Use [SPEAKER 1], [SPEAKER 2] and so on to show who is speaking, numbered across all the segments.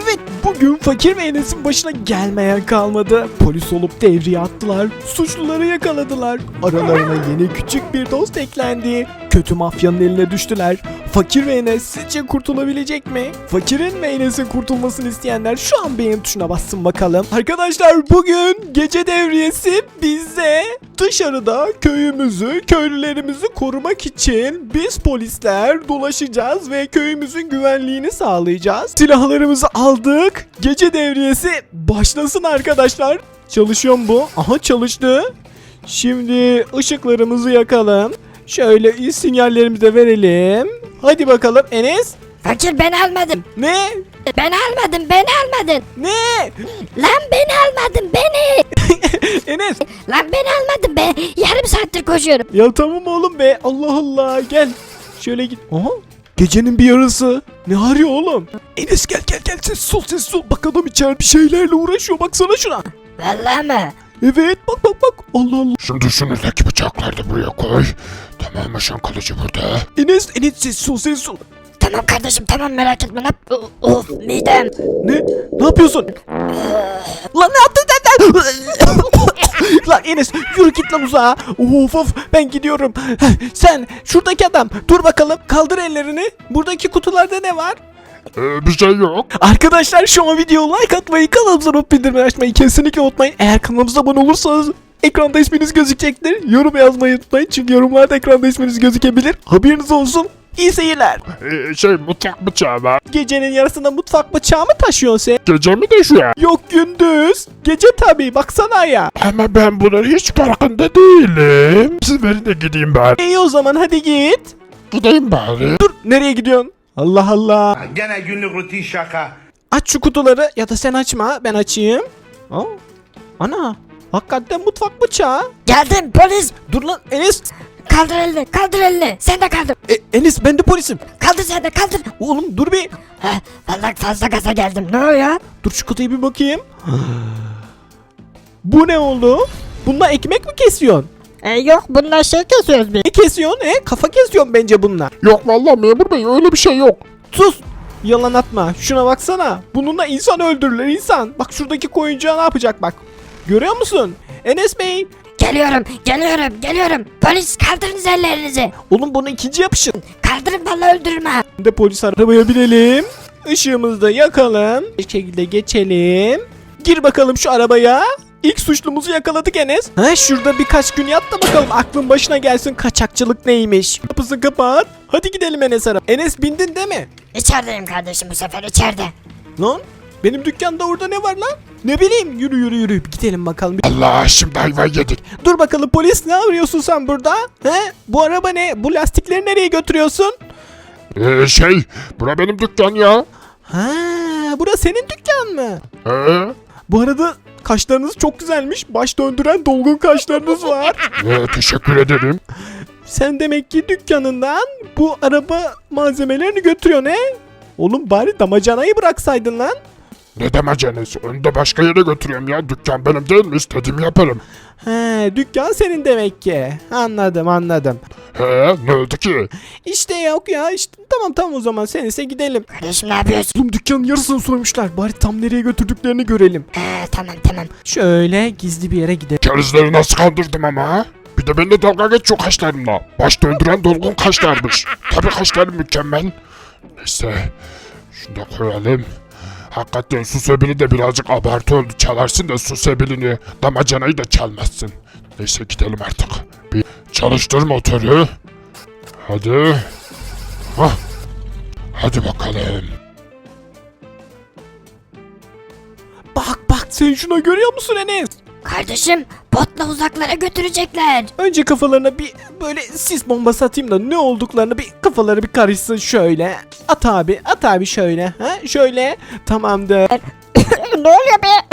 [SPEAKER 1] Evet, bugün Fakir ve Enes'in başına gelmeyen kalmadı. Polis olup devriye attılar. Suçluları yakaladılar. Aralarına yeni küçük bir dost eklendi. Kötü mafyanın eline düştüler. Fakir ve Enes sizce kurtulabilecek mi? Fakirin ve Enes'in kurtulmasını isteyenler şu an beğen tuşuna bassın bakalım. Arkadaşlar, bugün gece devriyesi bize. Dışarıda köyümüzü, köylülerimizi korumak için biz polisler dolaşacağız ve köyümüzün güvenliğini sağlayacağız. Silahlarımızı aldık. Gece devriyesi başlasın arkadaşlar. Çalışıyor mu bu? Aha, çalıştı. Şimdi ışıklarımızı yakalım. Şöyle sinyallerimizi de verelim. Hadi bakalım Enes.
[SPEAKER 2] Fakir, ben almadım.
[SPEAKER 1] Ne?
[SPEAKER 2] Ben almadım, ben almadın.
[SPEAKER 1] Ne?
[SPEAKER 2] Lan ben almadım, beni.
[SPEAKER 1] Enes.
[SPEAKER 2] Lan ben almadım be. Yarım saattir koşuyorum.
[SPEAKER 1] Ya tamam oğlum be. Allah Allah, gel. Şöyle git. Aha. Gecenin bir yarısı. Ne arıyor oğlum? Enes gel. Sessiz ol. Bak adam içeride bir şeylerle uğraşıyor. Baksana şuna.
[SPEAKER 2] Vallahi mı?
[SPEAKER 1] Evet, bak. Allah Allah.
[SPEAKER 3] Şimdi şunuzdaki bıçakları da buraya koy. Tamam mı, şan kalıcı burada.
[SPEAKER 1] Enes sessiz ol.
[SPEAKER 2] Tamam kardeşim, tamam, merak etme lan. Of, midem.
[SPEAKER 1] Ne yapıyorsun? Lan ne yaptın sen? Lan Enes, yürü git lan uzağa. Of, ben gidiyorum. Sen şuradaki adam, dur bakalım, kaldır ellerini. Buradaki kutularda ne var?
[SPEAKER 3] Bir şey yok.
[SPEAKER 1] Arkadaşlar, şu an videoya like atmayı, kanalımıza not bildirimleri açmayı kesinlikle unutmayın. Eğer kanalımıza abone olursanız ekranda isminiz gözükecektir. Yorum yazmayı unutmayın, çünkü yorumlarda ekranda isminiz gözükebilir. Haberiniz olsun. İyi seyirler.
[SPEAKER 3] Mutfak bıçağı var.
[SPEAKER 1] Gecenin yarısında mutfak bıçağı mı taşıyorsun sen?
[SPEAKER 3] Gece mi de şu an?
[SPEAKER 1] Yok, gündüz. Gece tabii, baksana ya.
[SPEAKER 3] Ama ben bunun hiç farkında değilim. Siz verin de gideyim bari.
[SPEAKER 1] İyi, o zaman hadi git.
[SPEAKER 3] Gideyim bari.
[SPEAKER 1] Dur, nereye gidiyorsun? Allah Allah.
[SPEAKER 4] Gene günlük rutin şaka.
[SPEAKER 1] Aç şu kutuları, ya da sen açma, ben açayım. Aa, ana, hakikaten mutfak bıçağı.
[SPEAKER 2] Geldim polis.
[SPEAKER 1] Dur lan Enes.
[SPEAKER 2] Kaldır elini. Sen de kaldır.
[SPEAKER 1] Enes, ben de polisim.
[SPEAKER 2] Kaldır sen de, kaldır.
[SPEAKER 1] Oğlum dur bir.
[SPEAKER 2] Heh, vallahi fazla gaza geldim. Ne oluyor?
[SPEAKER 1] Dur şu kutuya bir bakayım. Bu ne oldu? Bununla ekmek mi kesiyorsun?
[SPEAKER 2] Yok, bunlar şey kesiyoruz biz.
[SPEAKER 1] Ne kesiyorsun? Kafa kesiyorsun bence bununla.
[SPEAKER 3] Yok vallahi memur bey, öyle bir şey yok.
[SPEAKER 1] Sus. Yalan atma. Şuna baksana. Bununla insan öldürürler, insan. Bak şuradaki koyuncağı ne yapacak bak. Görüyor musun? Enes Bey.
[SPEAKER 2] Geliyorum. Polis, kaldırınız ellerinizi.
[SPEAKER 1] Oğlum, bunu ikinci yapışın.
[SPEAKER 2] Kaldırın, vallahi öldürürüm ha.
[SPEAKER 1] De polis arabaya binelim. Işığımızı da yakalım. Bir şekilde geçelim. Gir bakalım şu arabaya. İlk suçlumuzu yakaladık Enes. Şurada birkaç gün yat da bakalım aklın başına gelsin, kaçakçılık neymiş. Kapısını kapat. Hadi gidelim Enes araba. Enes, bindin değil mi?
[SPEAKER 2] İçerideyim kardeşim, bu sefer içeride.
[SPEAKER 1] Lan benim dükkanda orada ne var lan? Ne bileyim, yürü gidelim bakalım.
[SPEAKER 3] Allah, şimdi ayva yedik.
[SPEAKER 1] Dur bakalım polis, ne arıyorsun sen burada? Bu araba ne? Bu lastikleri nereye götürüyorsun?
[SPEAKER 3] Bura benim dükkan ya.
[SPEAKER 1] Burası senin dükkan mı?
[SPEAKER 3] Ee?
[SPEAKER 1] Bu arada kaşlarınız çok güzelmiş. Baş döndüren dolgun kaşlarınız var.
[SPEAKER 3] Teşekkür ederim.
[SPEAKER 1] Sen demek ki dükkanından bu araba malzemelerini götürüyorsun Oğlum, bari damacanayı bıraksaydın lan.
[SPEAKER 3] Ne demeceniz? Onu da başka yere götürüyorum ya. Dükkan benim değil mi? İstediğimi yaparım.
[SPEAKER 1] Dükkan senin demek ki. Anladım.
[SPEAKER 3] Ne oldu ki?
[SPEAKER 1] İşte yok ya, işte tamam o zaman sen ise gidelim.
[SPEAKER 2] Kardeşim, ne yapıyorsun?
[SPEAKER 1] Oğlum, dükkanın yarısını soymuşlar. Bari tam nereye götürdüklerini görelim.
[SPEAKER 2] Tamam.
[SPEAKER 1] Şöyle gizli bir yere gidelim.
[SPEAKER 3] Kerizleri nasıl kandırdım ama? Bir de benimle dalga geçiyor kaşlarımla. Baş döndüren dolgun kaşlarmış. Tabii kaşlarım mükemmel. Neyse. Şunu da koyalım. Hakikaten su sebili de birazcık abartı oldu. Çalarsın da su sebilini, damacanayı da çalmazsın. Neyse, gidelim artık. Bir çalıştır motoru. Hadi. Hadi bakalım.
[SPEAKER 1] Bak sen şuna görüyor musun Enes?
[SPEAKER 2] Kardeşim, botla uzaklara götürecekler.
[SPEAKER 1] Önce kafalarına bir böyle sis bombası atayım da ne olduklarını bir kafaları bir karışsın şöyle. At abi şöyle. Şöyle. Tamamdır.
[SPEAKER 2] Ne oluyor be?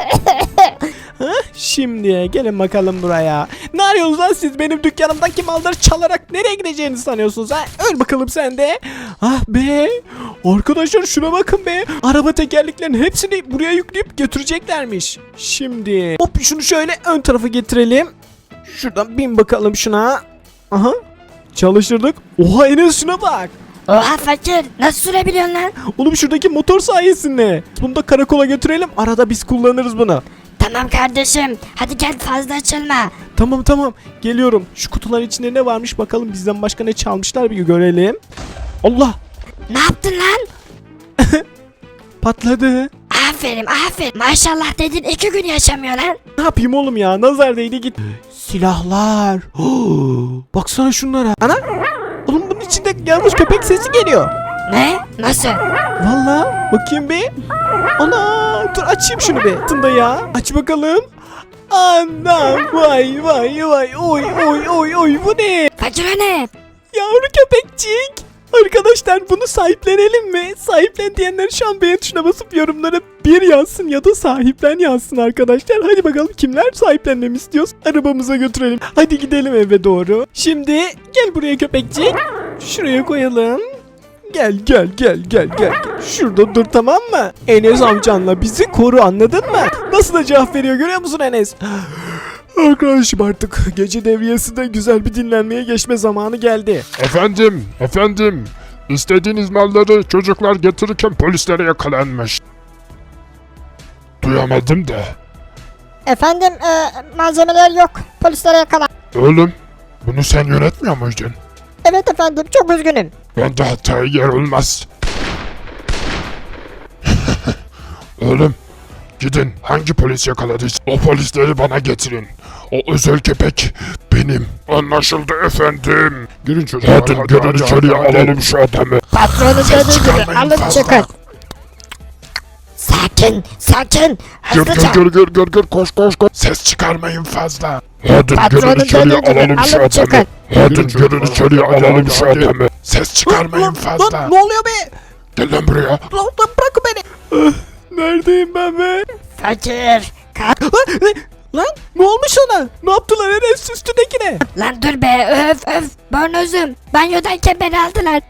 [SPEAKER 1] Şimdi gelin bakalım buraya. Ne arıyorsunuz lan siz, benim dükkanımdaki malları çalarak nereye gideceğinizi sanıyorsunuz Öl bakalım sen de. Ah be. Arkadaşlar şuna bakın be. Araba tekerleklerinin hepsini buraya yükleyip götüreceklermiş. Şimdi hop, şunu şöyle ön tarafa getirelim. Şuradan bin bakalım şuna. Aha. Çalıştırdık. Oha Enes, şuna bak.
[SPEAKER 2] Oha fakir nasıl sürebiliyorsun lan?
[SPEAKER 1] Oğlum şuradaki motor sayesinde. Bunu da karakola götürelim. Arada biz kullanırız bunu.
[SPEAKER 2] Tamam kardeşim hadi gel fazla açılma.
[SPEAKER 1] Tamam geliyorum. Şu kutuların içinde ne varmış bakalım, bizden başka ne çalmışlar bir görelim. Allah,
[SPEAKER 2] Ne yaptın lan?
[SPEAKER 1] patladı.
[SPEAKER 2] Aferin maşallah dedin 2 gün yaşamıyor lan.
[SPEAKER 1] Ne yapayım oğlum ya, nazar değdi git. Silahlar. Baksana şunlara. Ana. Oğlum bunun içinde yanlış köpek sesi geliyor.
[SPEAKER 2] Ne? Nasıl?
[SPEAKER 1] Valla bakayım bir. Ana dur açayım şunu bir. Tında ya. Aç bakalım. Anam vay oy bu ne?
[SPEAKER 2] Fakir o ne?
[SPEAKER 1] Yavru köpekçik. Arkadaşlar bunu sahiplenelim mi? Sahiplen diyenler şu an beğen tuşuna basıp yorumlara bir yazsın ya da sahiplen yazsın arkadaşlar. Hadi bakalım kimler sahiplenmemi istiyoruz? Arabamıza götürelim. Hadi gidelim eve doğru. Şimdi gel buraya köpekçik. Şuraya koyalım. Gel. Şurada dur, tamam mı? Enes amcanla bizi koru, anladın mı? Nasıl da cevap veriyor görüyor musun Enes? Arkadaşım artık gece devriyesinde güzel bir dinlenmeye geçme zamanı geldi.
[SPEAKER 3] Efendim. İstediğiniz malları çocuklar getirirken polislere yakalanmış. Duyamadım da.
[SPEAKER 2] Efendim malzemeler yok. Polislere yakalan.
[SPEAKER 3] Oğlum, bunu sen yönetmiyor muydun?
[SPEAKER 2] Evet efendim çok üzgünüm.
[SPEAKER 3] Bende hataya yer olmaz. Oğlum, gidin hangi polis yakaladıysa o polisleri bana getirin. O özel köpek benim. Anlaşıldı efendim. Girin çocuklar. Hadi girin içeriye alalım şu adamı.
[SPEAKER 2] Patronu dediği gibi
[SPEAKER 3] çıkarmayın
[SPEAKER 2] alın
[SPEAKER 3] fazla.
[SPEAKER 2] çıkın. Sakin. Hızlıca.
[SPEAKER 3] Gir koş. Ses çıkarmayın fazla. Hadi
[SPEAKER 2] Patronun
[SPEAKER 3] girin içeriye
[SPEAKER 2] dediği gibi
[SPEAKER 3] alalım şu
[SPEAKER 2] alın
[SPEAKER 3] adamı.
[SPEAKER 2] çıkın.
[SPEAKER 3] Hadi girin içeriye alalım şu adamı. Ses çıkarmayın fazla.
[SPEAKER 1] Lan ne oluyor be?
[SPEAKER 3] Gel lan buraya.
[SPEAKER 1] Lan bırakın beni. Neredeyim ben be?
[SPEAKER 2] Fakir.
[SPEAKER 1] Lan ne olmuş ona? Ne yaptılar Enes üstündekine?
[SPEAKER 2] Lan dur be öf. Bornozum. Banyodayken beni aldılar.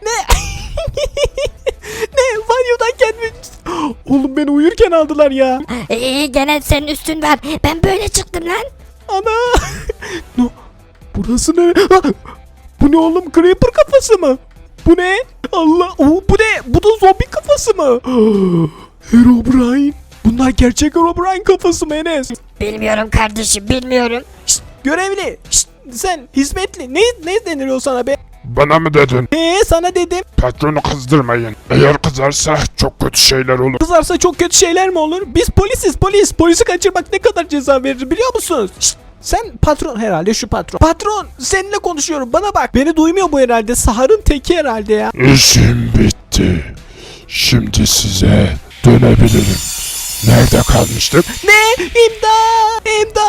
[SPEAKER 1] Ne? Banyodayken mi? Oğlum beni uyurken aldılar ya.
[SPEAKER 2] İyi gene senin üstün var. Ben böyle çıktım lan.
[SPEAKER 1] Ana. No, burası ne? Ah, bu ne oğlum? Creeper kafası mı? Bu ne? Allah. Bu ne? Bu da zombi kafası mı? Herobrine. Bunlar gerçek Herobrine kafası mı Enes?
[SPEAKER 2] Bilmiyorum kardeşim bilmiyorum.
[SPEAKER 1] Şşt, görevli. Şşt, sen hizmetli. Ne deniliyor sana be?
[SPEAKER 3] Bana mı dedin?
[SPEAKER 1] Sana dedim.
[SPEAKER 3] Patronu kızdırmayın. Eğer kızarsa çok kötü şeyler olur.
[SPEAKER 1] Kızarsa çok kötü şeyler mi olur? Biz polisiz polis. Polisi kaçırmak ne kadar ceza verir biliyor musunuz? Şşt, sen patron herhalde, şu patron. Patron seninle konuşuyorum, bana bak. Beni duymuyor bu herhalde. Sahar'ın teki herhalde ya.
[SPEAKER 3] İşim bitti. Şimdi size dönebilirim. Nerede kalmıştık?
[SPEAKER 1] Ne? İmdat!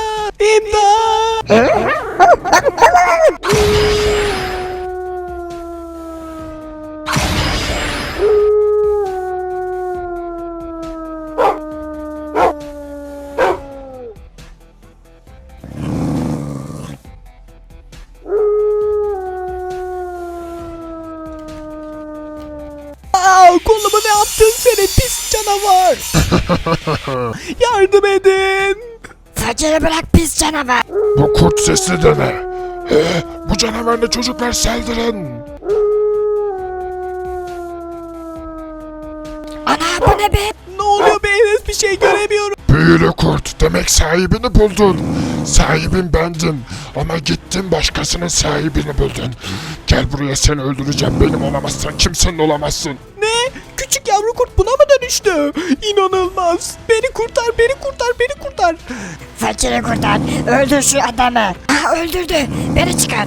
[SPEAKER 1] Kolumu ne yaptın senin pis canavar? Yardım edin.
[SPEAKER 2] Fakiri bırak pis canavar.
[SPEAKER 3] Bu kurt sesi de ne? Bu canavarla çocuklar saldırın.
[SPEAKER 2] Ana bu ne be?
[SPEAKER 1] Ne oluyor be Enes, bir şey göremiyorum.
[SPEAKER 3] Büyülü kurt, demek sahibini buldun. Sahibin bendim ama gittin başkasının sahibini buldun. Gel buraya, seni öldüreceğim. Benim olamazsan kimsenin olamazsın.
[SPEAKER 1] Ne? Küçük yavru kurt buna mı dönüştü? İnanılmaz. Beni kurtar.
[SPEAKER 2] Fakiri kurtar. Öldür şu adamı. Ah öldürdü. Beni çıkar.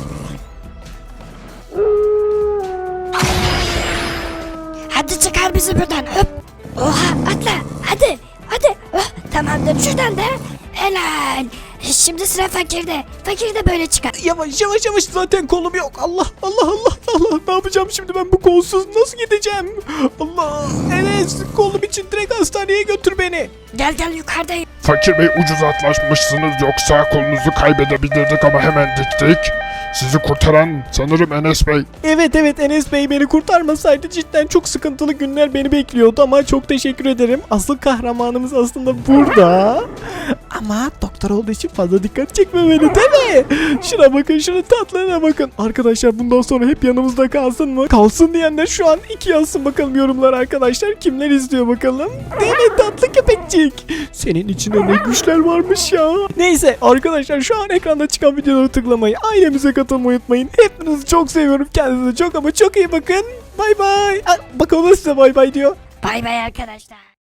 [SPEAKER 2] Hadi çıkar bizi buradan. Hop. Oha atla. Hadi. Oh, tamamdır şuradan da. Helal. Şimdi sıra fakirde. Fakir de böyle çıkar.
[SPEAKER 1] Yavaş zaten kolum yok. Allah. Ne yapacağım şimdi ben bu kolsuz? Nasıl gideceğim? Allah. Enes, kolum için direkt hastaneye götür beni.
[SPEAKER 2] Gel yukarıdayım.
[SPEAKER 3] Fakir Bey, ucuz atlaşmışsınız, yoksa kolunuzu kaybedebilirdik ama hemen diktik. Sizi kurtaran sanırım Enes Bey.
[SPEAKER 1] Evet Enes Bey beni kurtarmasaydı cidden çok sıkıntılı günler beni bekliyordu ama çok teşekkür ederim. Asıl kahramanımız aslında burada. Ama doktor olduğu için fazla dikkat çekmemeli değil mi? Şuna bakın, şunun tatlılığına bakın. Arkadaşlar bundan sonra hep yanımızda kalsın mı? Kalsın diyenler şu an 2 yazsın bakalım yorumlara arkadaşlar. Kimler izliyor bakalım? Değil mi tatlı köpekçik? Senin içinde ne güçler varmış ya. Neyse arkadaşlar şu an ekranda çıkan videolara tıklamayı, ailemize katılmayı unutmayın. Hepinizi çok seviyorum. Kendinize çok ama çok iyi bakın. Bay bay. Bak o da size bay bay diyor.
[SPEAKER 2] Bay bay arkadaşlar.